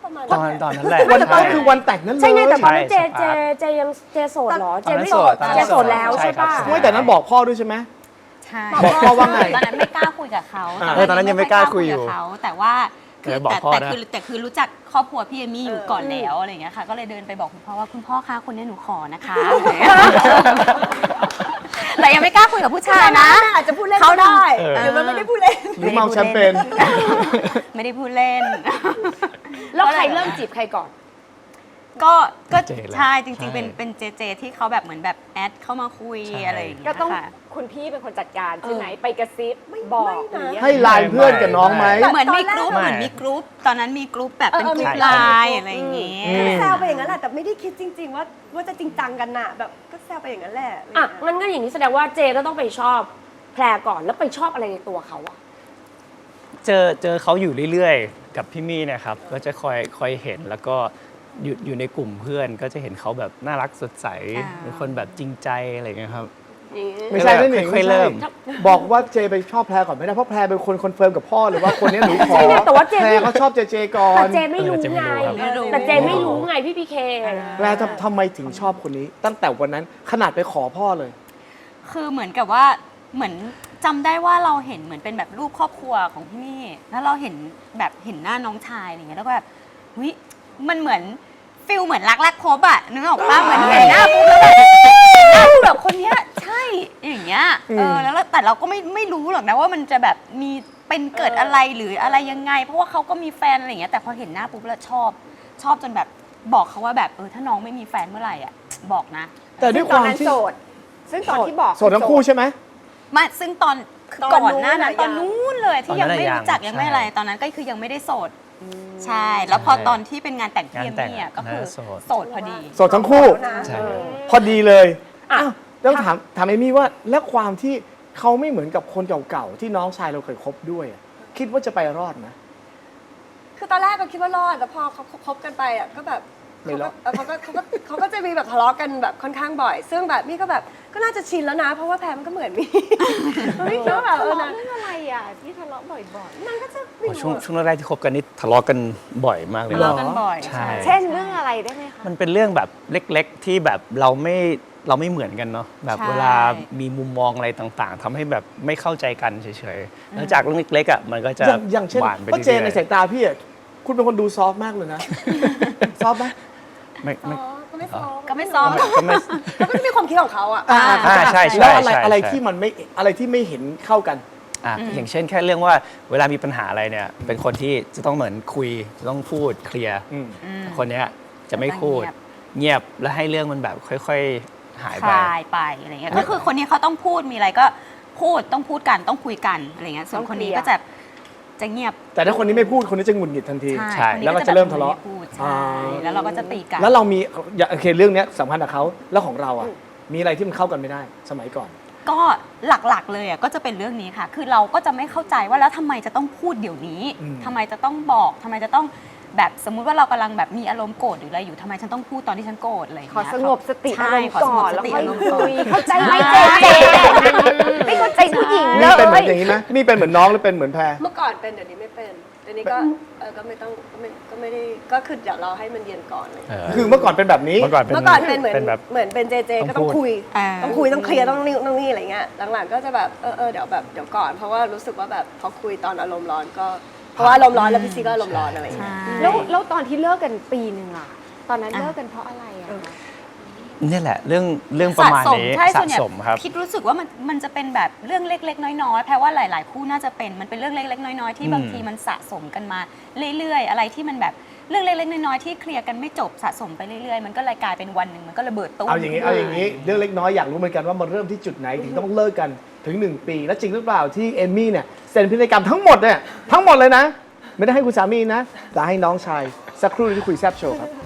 Speaker 5: ประมาณ
Speaker 7: ตอนนั้นแหละ
Speaker 4: วันนั้นคือวันแต่งนั้นเลย
Speaker 6: ใช่ไงแต่ตอนนั้น
Speaker 7: ใช่
Speaker 6: เจยังเจโสดเหรอ
Speaker 7: ตอนนั้น
Speaker 6: ไม่
Speaker 7: โสดตอนนั้น
Speaker 6: เจโสดแล้ว
Speaker 7: ใช่
Speaker 6: ใช่
Speaker 7: ครับ
Speaker 6: ป่ะ
Speaker 7: ใช่
Speaker 4: ไม่แต่นั้นบอกพ่อด้วยใช่ไหม
Speaker 1: ใช่
Speaker 4: บอกพ่อว่าไง
Speaker 1: ตอนนั้นไม่กล้าคุยกับเขา
Speaker 7: ตอนนั้นยังไม่กล้าคุยอยู่
Speaker 1: กับเขาแต่ว่าคือ
Speaker 7: บอกพ่อนะ
Speaker 1: แต่คือรู้จักครอบครัวพี่เอมี่อยู่ก่อนแล้วอะไรอย่างเงี้ยค่ะก็เลยเดินไปบอกคุณพ่อว่าคุณพ่อคะคนนี้หนูขอนะคะแต่ยังไม่กล้าคุยกับผู้ชายนะ
Speaker 5: อาจจะพูดเล่นก็ได้หรือมันไม่ได้พูดเล่น
Speaker 4: หรือเมาแชมเปญ
Speaker 1: ไม่ได้พูดเล่น
Speaker 8: แล้วใครเริ่มจีบใครก่อน
Speaker 1: ก็
Speaker 7: เจแหละ
Speaker 1: ใช่จริง
Speaker 7: ใช่
Speaker 1: ๆเป็นเจที่เขาแบบเหมือนแบบแอดเข้ามาคุย
Speaker 7: ใช่
Speaker 1: อะไรอย่างเงี้ย
Speaker 8: ก็ต้อง
Speaker 1: ค่ะ
Speaker 8: คุณพี่เป็นคนจัดการใช่ไหมไปกระซิบบอก
Speaker 5: ไม่นะ
Speaker 8: หรือยังไง
Speaker 4: ให้ไลน์เพื่อนกับน้องไหม
Speaker 1: เหมือนมีกรุ๊ป
Speaker 7: ไม่
Speaker 1: เหมือนมีกรุ๊ปตอนนั้นมีกรุ๊ปแบบเป็น
Speaker 5: เออก
Speaker 1: รุ๊ป
Speaker 5: มี
Speaker 1: ไล
Speaker 5: กรุ๊ป
Speaker 1: น์อะไรอย่างเงี้ย
Speaker 5: แซวไปอย่างนั้นแหละแต่ไม่ได้คิดจริง ๆ ว่าจะจริงจังกันน่ะแบบก็แซวไปอย่างนั้นแหละ
Speaker 6: อ่ะงั้นก็อย่างนี้แสดงว่าเจก็ต้องไปชอบแพรก่อนแล้วไปชอบอะไรในตัวเขาอะ
Speaker 7: เจอเขาอยู่เรื่อยๆ กับพี่มี่เนี่ยครับก็จะคอยเห็นแล้วก็อยู่ในกลุ่มเพื่อนก็จะเห็นเขาแบบน่ารักสดใส
Speaker 1: อ่า
Speaker 7: เป็นคนแบบจริงใจอะไรอย่างเงี้ยครับ
Speaker 4: ไม่ใช่นั่นเอง
Speaker 7: ค่อยๆเริ่ม
Speaker 4: บอกว่าเจไปชอบแพรก่อนไม่ได้เพราะแพรเป็นคนคอนเฟิร์มกับพ่อเลยว่าคนนี้หนูขอ
Speaker 6: ใช่ไงแต่ว่าเจ
Speaker 4: แพรเขาชอบเจก่อน
Speaker 6: แต่เจไม่รู้ไง
Speaker 1: ไม่รู้
Speaker 6: แต่เจไม่รู้ไงพี่พีเค
Speaker 4: แพรทำไมถึงชอบคนนี้ ตั้งแต่วันนั้นขนาดไปขอพ่อเลย
Speaker 1: คือเหมือนกับว่าเหมือนจำได้ว่าเราเห็นเหมือนเป็นแบบรูปครอบครัวของพี่มี่แล้วเราเห็นแบบเห็นหน้าน้องชายอะไรเงี้ยแล้วก็แบบเฮ้ยมันเหมือนฟิลเหมือนรักแรกพบอะนึกออกปะเหมือนเห็นหน้าปุ๊บแล้วแบบหน้าแบบคนเนี้ยใช่อย่างเงี้ยแล้วแต่เราก็ไม่รู้หรอกนะว่ามันจะแบบมีเป็นเกิดอะไรหรืออะไรยังไง เพราะว่าเขาก็มีแฟนอะไรเงี้ยแต่พอเห็นหน้าปุ๊บแล้วชอบจนแบบบอกเขาว่าแบบถ้าน้องไม่มีแฟนเมื่อไหร่อะบอกนะ
Speaker 4: แต่ด้วยความ
Speaker 8: นั้น
Speaker 4: ที่
Speaker 8: โสด ซึ่งตอนที่บอก
Speaker 4: โสดทั้งคู่ใช่ไหม
Speaker 1: มาซึ่งตอนก่อนหน้านั้นตอนนู้นเลยที่ยังไม่รู้จัก
Speaker 7: ตอนนั้น
Speaker 1: ยังไม่อะไร
Speaker 7: ใช่
Speaker 1: ตอนนั้นก็คือยังไม่ได้โสดใช่ แล้วพอตอนที่เป็นงานแต่งพี่เอมมี่อะก็คือ
Speaker 7: โสด
Speaker 1: โสดพอดี
Speaker 4: โสดทั้งคู่
Speaker 7: ใช่
Speaker 4: พอดีเลยอ้าวแล้วถามเอมี่ว่าแล้วความที่เขาไม่เหมือนกับคนเก่าๆที่น้องชายเราเคยคบด้วยอะคิดว่าจะไปรอดไหม
Speaker 5: คือตอนแรกก็คิดว่ารอดแต่พอเขาคบกันไปอ่ะก็แบบ
Speaker 4: ไม่รอด
Speaker 5: เขาก็จะมีแบบทะเลาะกันแบบค่อนข้างบ่อย ซึ่งแบบมี่ก็แบบก็น่าจะชินแล้วนะ เพราะว่าแพรมันก็เหมือนมี่มี่คิดว่าแบบ
Speaker 8: ทะเลาะ
Speaker 5: นะ
Speaker 8: เรื่องอะไรอ่ะที่ทะเลาะบ่อย
Speaker 5: มันก็จะ
Speaker 7: โอ้ช่วงแรกๆที่คบกันนี่ทะเลาะกันบ่อยมากเลย
Speaker 1: ทะเลาะกันบ่อย
Speaker 7: ใช่
Speaker 8: ๆ เช่นเรื่องอะไรได้ไหมคะ
Speaker 7: มันเป็นเรื่องแบบเล็กๆที่แบบเราไม่เหมือนกันเนาะแบบ
Speaker 1: ใช่
Speaker 7: เวลามีมุมมองอะไรต่างๆทำให้แบบไม่เข้าใจกันเฉยๆแล้วจากเรื่องเล็กๆอ่ะมันก็จะ
Speaker 4: อย่างเช่น
Speaker 7: หวานไป
Speaker 4: เพราะ
Speaker 7: เรื่อย
Speaker 4: เจนในสายตาพี่อะคุณเป็นคนดูซอฟต์มากเลยนะ ซอฟต์ไหม
Speaker 7: ๆไม่
Speaker 5: ก็ไม่ซ้อม
Speaker 1: ก็ไม่ซ้อม
Speaker 7: ก็ไม่
Speaker 5: เขาก็จะมีความคิดของเขาอ่ะ
Speaker 7: ใช่
Speaker 4: แล้วอะไร
Speaker 7: ใช่
Speaker 4: อะไร
Speaker 7: ใช่
Speaker 4: ที่มันไม่อะไรที่ไม่เห็นเข้ากัน
Speaker 7: อย่างเช่นแค่เรื่องว่าเวลามีปัญหาอะไรเนี่ยเป็นคนที่จะต้องเหมือนคุยจะต้องพูดเคลียร์
Speaker 4: อืม
Speaker 7: คนเนี้ยจะไม่พูด เงียบแล้วให้เรื่องมันแบบค่อยๆหาย
Speaker 1: ค
Speaker 7: ไป
Speaker 1: ลายไปอะไรเงี้ยก็คือคนนี้เขาต้องพูดมีอะไรก็พูดต้องพูดกันต้องคุยกันอะไรเงี้ยส่วนคนนี้ก็จะเงียบ
Speaker 4: แต่ถ้าคนนี้ไม่พูดคนนี้จะหงุดหงิดทันที
Speaker 7: ใช่
Speaker 1: คนนี้
Speaker 4: แล้วก็จะเริ่มทะเลาะ
Speaker 1: ไม่พูดใช่แล้วเราก็จะตีกัน
Speaker 4: แล้วเรามีโอเคเรื่องเนี้ยสำคัญกับเขาแล้วของเราอ่ะมีอะไรที่มันเข้ากันไม่ได้สมัยก่อน
Speaker 1: ก็หลักๆเลยอ่ะก็จะเป็นเรื่องนี้ค่ะ คือเราก็จะไม่เข้าใจว่าแล้วทำไมจะต้องพูดเดี๋ยวนี้
Speaker 4: อืม
Speaker 1: ทำไมจะต้องบอกทำไมจะต้องแบบสมมุติว่าเรากำลังแบบมีอารมณ์โกรธหรืออะไรอยู่ทำไมฉันต้องพูดตอนที่ฉันโกรธอะไรอย่าง
Speaker 8: ขอ
Speaker 1: เงี้ย
Speaker 8: สงบสติอา
Speaker 1: ใช่
Speaker 8: รมณ์ก่อน
Speaker 1: ข
Speaker 8: แล้ว
Speaker 1: สงบสติ
Speaker 8: ค่อย
Speaker 1: อารมณ์
Speaker 8: คุย
Speaker 1: ก่อน
Speaker 8: เข้าใจไหม
Speaker 1: ใช่
Speaker 8: เจไม่เข้าใจผู้หญิงเล
Speaker 4: นี่เป็นเหมือน
Speaker 8: ย
Speaker 4: อย่างนี้ไหมนี่เป็นเหมือนน้องหรือเป็นเหมือนแพร
Speaker 5: เมื่อก่อนเป็นเดี๋ยวนี้ไม่เป็นเดี๋ยวนี้ก็ก็ไม่ต้องก็ไม่ได้ก็คือเดี๋ยวเราให้มันเย็นก่อนเลย
Speaker 4: คือเมื่อก่อนเป็นแบบนี้
Speaker 7: เมื่อก่อน
Speaker 5: เมื่อก่อนเป็นเหมือน
Speaker 7: แบบ
Speaker 5: เหมือนเป็นเจเจก็ต้องคุย
Speaker 1: อ่า
Speaker 5: ต้องคุยต้องเคลียร์ต้องนี่อะไรเงี้ยหลังๆก็จะแบบเดี๋ยวแบบเดี๋ยวก่อนเพราะว่ารู้สึกว่าแบบพอคุยตอนอารมณ์ร้อนก็เพราะว่าอารมณ์ร้อนแล้วพี่ซีก็อารมณ์ร้อนอะไรเงี้ย
Speaker 8: แล้วตอนที่เลิกกันปีหนึ่งอ่ะ ตอนนั้นเลิกกันเพราะอะไรอ่ะ
Speaker 7: นี่แหละเรื่องประมาณนี้
Speaker 1: ใช่
Speaker 7: สะ
Speaker 1: ส่วนใหญ่
Speaker 7: สมครับ
Speaker 1: คิดรู้สึกว่ามันจะเป็นแบบเรื่องเล็กๆน้อยๆแปลว่าหลายๆคู่น่าจะเป็นมันเป็นเรื่องเล็กๆน้อยๆที่บางทีมันสะสมกันมาเรื่อยๆอะไรที่มันแบบเรื่องเล็กๆน้อยๆที่เคลียร์กันไม่จบสะสมไปเรื่อยๆมันก็เลยกลายเป็นวันหนึ่งมันก็ระเบิดตุ้ม
Speaker 4: เอาอย่างนี้เรื่องเล็กน้อยอยากรู้เหมือนกันว่ามันเริ่มที่จุดไหนถึงต้องเลิกกันถึง 1 ปี แล้วจริงหรือเปล่าที่เอมมี่เนี่ยเซ็นพินัยกรรมทั้งหมดเนี่ยทั้งหมดเลยนะ ไม่ได้ให้คุณสามีนะแต่ให้น้องชายสักครู่ที่คุยแซบโชว์ครับ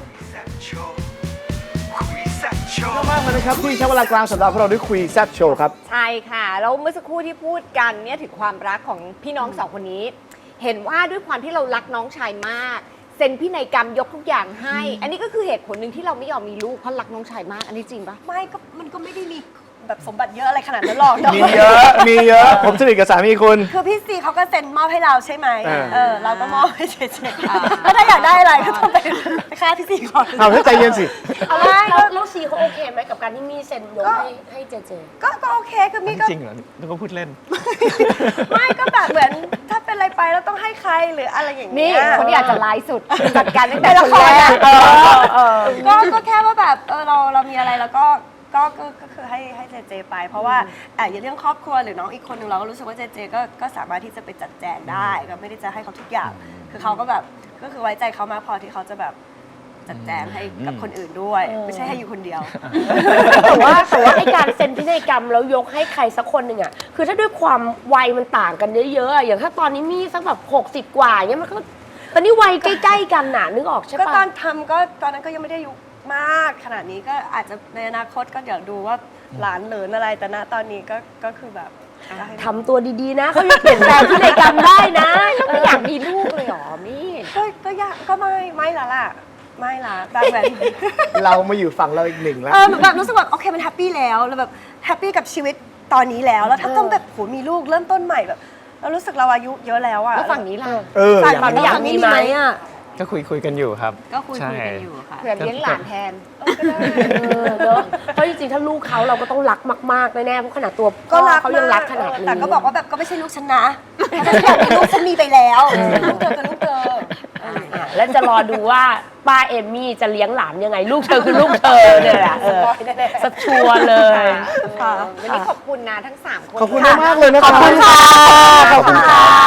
Speaker 4: มากเลยนะครับที่ใช้เวลากลางสัปดาห์พวกเราได้คุยแซบโชว์ครับ
Speaker 8: ใช่ค่ะ แล้วเมื่อสักครู่ที่พูดกันเนี่ยถึงความรักของพี่น้องสองคนนี้ เห็นว่าด้วยความที่เรารักน้องชายมากเซ็นพินัยกรรมยกทุกอย่างให้ อันนี้ก็คือเหตุผลหนึ่งที่เราไม่ยอมมีลูกเพราะรักน้องชายมาก อันนี้จริงปะ
Speaker 5: ไม่ก็มันก็ไม่ได้มีแบบสมบัติเยอะอะไรขนาดนั้นหรอก
Speaker 4: มีเยอะ มีเยอะ ผมสนิทกับสามีคุณ
Speaker 5: คือพี่ซีเขาก็เซ็นมอบให้เราใช่ไหม
Speaker 4: เออ
Speaker 5: เราก็มอบให้เจเจแล้วถ้าอยากได้อะไรก็ต้องไปค่าพี่ซีก่อน
Speaker 4: เอาถ้าใจเย็นสิ
Speaker 6: เอาแล้วซีเขาโอเคไหมกับการที่มี่เซ็นยกให้เจเจ
Speaker 5: ก็โอเคคือมี่ก็
Speaker 7: จริงเหรอนึกว่าพูดเล่น
Speaker 5: ไม่ก็แบบเหมือนถ้าเป็นอะไรไปแล้วต้องให้ใครหรืออะไรอย่างเงี้
Speaker 8: นี่
Speaker 5: ย
Speaker 8: คนที่อาจจะร้ายสุดจัดการตั้งแต่
Speaker 5: ในละ
Speaker 8: คน
Speaker 5: คร
Speaker 8: แร
Speaker 5: อะ
Speaker 8: ก
Speaker 5: ก็แค่ว่าแบบเรามีอะไรแล้วก็คือให้เจเจไป เพราะว่าอย่างเรื่องครอบครัวหรือน้องอีกคนหนึงเราก็รู้สึกว่าเจเจก็สามารถที่จะไปจัดแจงได้ก็ไม่ได้จะให้เขาทุกอย่าง คือเขาก็แบบก็คือไว้ใจเขามากพอที่เขาจะแบบจัดแจงให้กับคนอื่นด้วย ไม่ใช่ให้อยู่คนเดียว
Speaker 6: แต่ว่าไอ้การเซ็นพินัยกรรมแล้วยกให้ใครสักคนหนึ่งอ่ะคือถ้าด้วยความวัยมันต่างกันเยอะๆอะอย่างถ้าตอนนี้มี่สักแบบ60 กว่าอย่างเงี้ยมันก็ตอนนี้วัยใกล้ๆกันน่ะนึกออกใช่
Speaker 5: ก็
Speaker 6: ปะ
Speaker 5: ตอนทำก็ตอนนั้นก็ยังไม่ได้อายุมากขนาดนี้ก็อาจจะในอนาคตก็เดี๋ยวดูว่าหลานเหลินอะไรแต่ณตอนนี้ก็คือแบบก็ให้
Speaker 6: ทำตัวดีๆนะเขายังเปลี่ยนแปลงพินัยกรรมได้นะ
Speaker 8: ไม่อยากมีลูกเลยเหรอมี่
Speaker 5: ก็ยากก็ไม่ละล่ะไม่ละแบบ
Speaker 4: เรามาอยู่ฝั่งเราอีกหนึ่งแล้ว
Speaker 5: แบบรู้สึกแบบโอเคมันแฮปปี้แล้วแบบแฮปปี้กับชีวิตตอนนี้แล้วแล้วถ้าต้องแบบโหมีลูกเริ่มต้นใหม่แบบเรารู้สึกเราอายุเยอะแล้วอะ
Speaker 8: แล้วฝั่งนี้ล่ะ
Speaker 5: ฝั่งนี้อยากมีไหมอะ
Speaker 7: ก็คุยกันอยู่ครับ
Speaker 1: ก็คุย
Speaker 7: ใช่
Speaker 1: กันอยู่ค่ะ
Speaker 8: เผื่อเลี้ยงหลานแทน
Speaker 6: เนอะเพราะจริงๆถ้าลูกเขาเราก็ต้องรักมากๆแน่ๆเพราะขนาดตัว
Speaker 5: ก็รัก
Speaker 6: เขายังรักขนาดนี้
Speaker 5: แต่ก็บอกว่าแบบก็ไม่ใช่ลูกฉันนะถ้าฉันอยากมีลูกฉันมีไปแล้วลูกเธอคือลูกเธอ
Speaker 6: แล้วจะรอดูว่าป้าเอมมี่จะเลี้ยงหลานยังไง ลูกเธอคือลูกเธอเนี่ยแหละสักชัวร์เลย
Speaker 8: วันนี้ขอบคุณนะทั้ง 3 คน
Speaker 4: ขอบคุณมากๆเลยนะครับ
Speaker 5: ขอบคุณค่ะ
Speaker 4: ขอบคุณค่ะ